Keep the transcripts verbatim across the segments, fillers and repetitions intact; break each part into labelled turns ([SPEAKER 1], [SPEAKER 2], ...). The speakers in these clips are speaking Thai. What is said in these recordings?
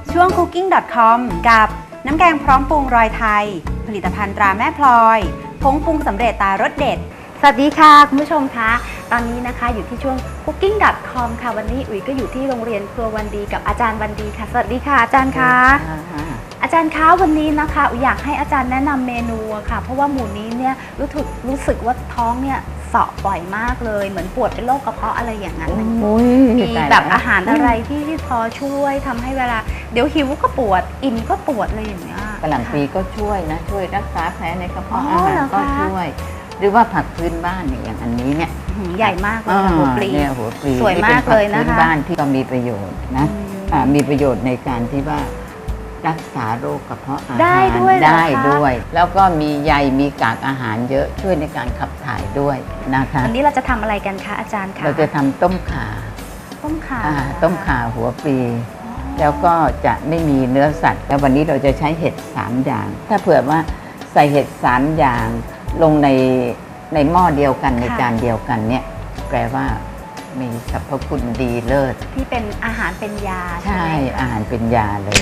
[SPEAKER 1] ช่วง คุกกิ้ง ดอท คอม กับน้ำแกงพร้อมปรุงรอยไทยผลิตภัณฑ์ตราแม่พลอยผงปรุงสำเร็จตารสเด็ดสวัสดีค่ะคุณผู้ชมคะตอนนี้นะคะอยู่ที่ช่วง คุกกิ้ง ดอท คอม ค่ะวันนี้อุ๋ยก็อยู่ที่โรงเรียนครัววันดีกับอาจารย์วันดีค่ะสวัสดีค่ะอาจารย์คะอาจารย์คะวันนี้นะคะอุ๋ยอยากให้อาจารย์แนะนำเมนูค่ะเพราะว่าหมู่นี้เนี่ยรู้สึกรู้สึกว่าท้องเนี่ยเสาะบ่อยมากเลยเหมือนปวดเป็นโรคกระเพาะอะไรอย่างนั้นมีแบบอาหารอะไรที่ที่พอช่วยทำให้เวลาเดี๋ยวหิวก็ปวดอิ่มก็ปวดอะไรอย่างเงี้ย
[SPEAKER 2] กะหล่ำปลีก็ช่วยนะช่วยรักษาแผลในกระเพาะอาหารก็ช่วยหรือว่าผักพื้นบ้านอย่างอันนี้เนี่ย
[SPEAKER 1] ใหญ่มากเลยหัวปลี
[SPEAKER 2] เนี่ยหัวปลี
[SPEAKER 1] สวยมากเลยนะคะ
[SPEAKER 2] พื้นบ้านที่ก็มีประโยชน์นะมีประโยชน์ในการที่ว่ารักษาโรคกระเพาะอาหาร
[SPEAKER 1] ได้ด้วย
[SPEAKER 2] ได้ด้วยแล้วก็มีใยมีกากอาหารเยอะช่วยในการขับถ่ายด้วยนะคะ
[SPEAKER 1] วันนี้เราจะทำอะไรกันคะอาจารย์คะ
[SPEAKER 2] เราจะทำต้มข่า
[SPEAKER 1] ต้มข่า
[SPEAKER 2] ต้มข่าหัวปลีแล้วก็จะไม่มีเนื้อสัตว์แล้ววันนี้เราจะใช้เห็ดสามอย่างถ้าเผื่อว่าใส่เห็ดสามอย่างลงในในหม้อเดียวกันในจานเดียวกันเนี่ยแปลว่ามีสรรพคุณดีเลิศ
[SPEAKER 1] ที่เป็นอาหารเป็นยา
[SPEAKER 2] ใช่อาหารเป็นยาเลย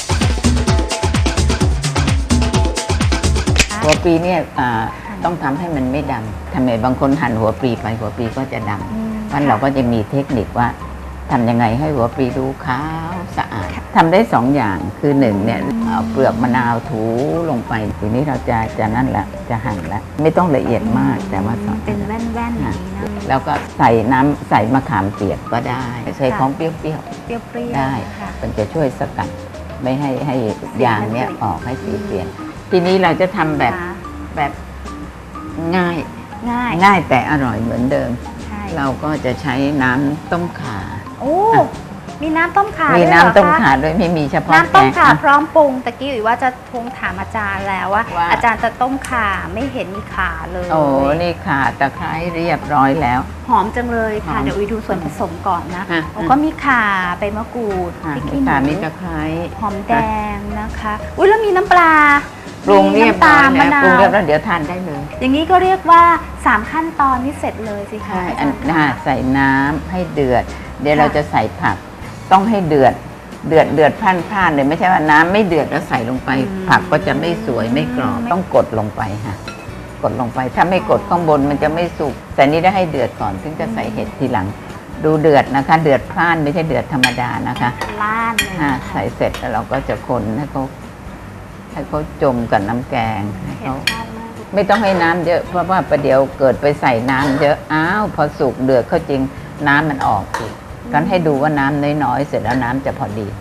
[SPEAKER 2] หัวปลีเนี่ยต้องทำให้มันไม่ดำทำไมบางคนหั่นหัวปลีไปหัวปลีก็จะดำเพราะเราก็จะมีเทคนิคว่าทำยังไงให้หัวปลีดูขาวสะอาดทำได้สองอย่างคือหนึ่งเนี่ยเอาเปลือกมะนาวถูลงไปทีนี้เราจะจะนั่นแหละจะหั่นแล้วไม่ต้องละเอียดมากแต่ว่า
[SPEAKER 1] เป็นแว่นๆอย่างนี้นะ
[SPEAKER 2] แล้วก็ใส่น้ำใส่มะขามเปียกก็ได้ใส่ของเปรี้ยว
[SPEAKER 1] เปรี้ยว
[SPEAKER 2] ได้มันจะช่วยสกัดไม่ให้ให้ยางเนี้ยออกให้สีเปลี่ยนทีนี้เราจะทำแบบแบบง่าย
[SPEAKER 1] ง่าย
[SPEAKER 2] ง่ายแต่อร่อยเหมือนเดิมเราก็จะใช้น้ำต้มข่า
[SPEAKER 1] โอ้มีน้ำต้มข่า
[SPEAKER 2] มีน้ำต้มข่าด้วยไม่มีเฉพาะ
[SPEAKER 1] น้ำต้มข่าพร้อมปรุงตะกี้อุ๋ยว่าจะทวงถามอาจารย์แล้วว่าอาจารย์จะต้มข่าไม่เห็นมีข่าเลย
[SPEAKER 2] โอ้นี่ข่าตะไคร้เรียบร้อยแล้ว
[SPEAKER 1] หอมจังเลยค่ะเดี๋ยวอุ๋ยดูส่วนผสมก่อนนะก็มีข่าใบมะกรูดพริกขี้หนู
[SPEAKER 2] มีตะไคร้
[SPEAKER 1] หอมแดงนะคะอุ้ยแล้วมีน้ำปลา
[SPEAKER 2] ปรุงเรียบร้อยแล้วปรุงเรียบร้อยเดี๋ยวทานได้เลย
[SPEAKER 1] อย่างนี้ก็เรียกว่าสามขั้นตอนนี้เสร็จเลยสิคะ
[SPEAKER 2] ใส่น้ำให้เดือดเดี๋ยวเราจะใส่ผักต้องให้เดือดเดือดเดือดพล่านๆเลยไม่ใช่ว่าน้ำไม่เดือดแล้วใส่ลงไปผักก็จะไม่สวยไม่กรอบต้องกดลงไปค่ะกดลงไปถ้าไม่กดข้างบนมันจะไม่สุกแต่นี้ได้ให้เดือดก่อนถึงจะใส่เห็ดทีหลังดูเดือดนะคะเดือดพล่านไม่ใช่เดือดธรรมดานะคะ
[SPEAKER 1] พล่านเลย
[SPEAKER 2] ใส่เสร็จแล้วเราก็จะคนให้เขาให้เขาจมกับน้ำแกงให้เขาไม่ต้องให้น้ำเยอะเพราะว่าประเดี๋ยวเกิดไปใส่น้ำเยอะอ้าวพอสุกเดือดเขาจริงน้ำมันออกอีกกันให้ดูว่าน้ำน้อยๆเสร็จแล้วน้ำจะพอดี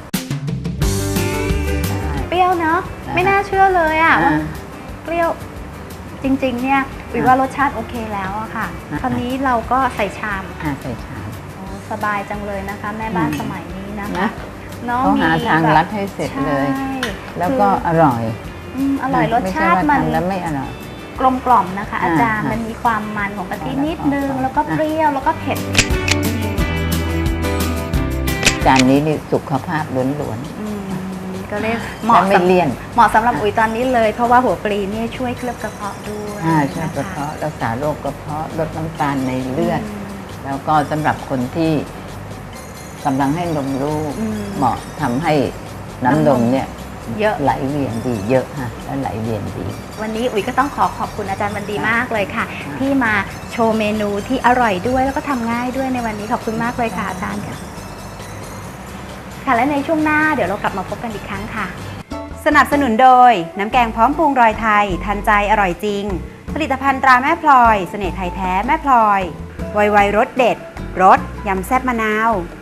[SPEAKER 1] เปรี้ยวเนาะไม่น่าเชื่อเลยอ่ะเปรี้ยวจริงๆเนี่ยวิว่ารสชาติโอเคแล้วอะค่ะคราวนี้เราก็ใส่ชาม
[SPEAKER 2] ใส่ชาม
[SPEAKER 1] สบายจังเลยนะคะแม่บ้านสมัยนี้นะคะ
[SPEAKER 2] น้องหาทางรัดให้เสร็จเลยแล้วก็อร่อย
[SPEAKER 1] อร่อยรสชาติมัน
[SPEAKER 2] แล้วไม่อร่อย
[SPEAKER 1] กลมกล่อมนะคะอาจารย์มันมีความมันของกะทินิดนึงแล้วก็เปรี้ยวแล้วก็เผ็ด
[SPEAKER 2] จานนี้นี่สุขภาพล้วน
[SPEAKER 1] ๆก็เลยเหมาะ
[SPEAKER 2] ไม่เลี่ยน
[SPEAKER 1] เหมาะสำหรับอุ๋ยตอนนี้เลยเพราะว่าหัวปลีนี่ช่วยเคลือบกระเพาะด้วย
[SPEAKER 2] ช่วยกระเพาะรักษาโรคกระเพาะลดน้ำตาลในเลือดแล้วก็สำหรับคนที่กำลังให้นมลูกเหมาะทำให้น้ำนมเนี่ย
[SPEAKER 1] เยอะ
[SPEAKER 2] ไหลเวียนดีเยอะค่ะแล้วไหลเวียนดี
[SPEAKER 1] วันนี้อุ๋ยก็ต้องขอขอบคุณอาจารย์วันดีมากเลยค่ะที่มาโชว์เมนูที่อร่อยด้วยแล้วก็ทำง่ายด้วยในวันนี้ขอบคุณมากเลยค่ะอาจารย์ค่ะค่ะและในช่วงหน้าเดี๋ยวเรากลับมาพบกันอีกครั้งค่ะสนับสนุนโดยน้ำแกงพร้อมปรุงรอยไทยทันใจอร่อยจริงผลิตภัณฑ์ตราแม่พลอยเสน่ห์ไทยแท้แม่พลอยไวๆรสเด็ดรสยำแซ่บมะนาว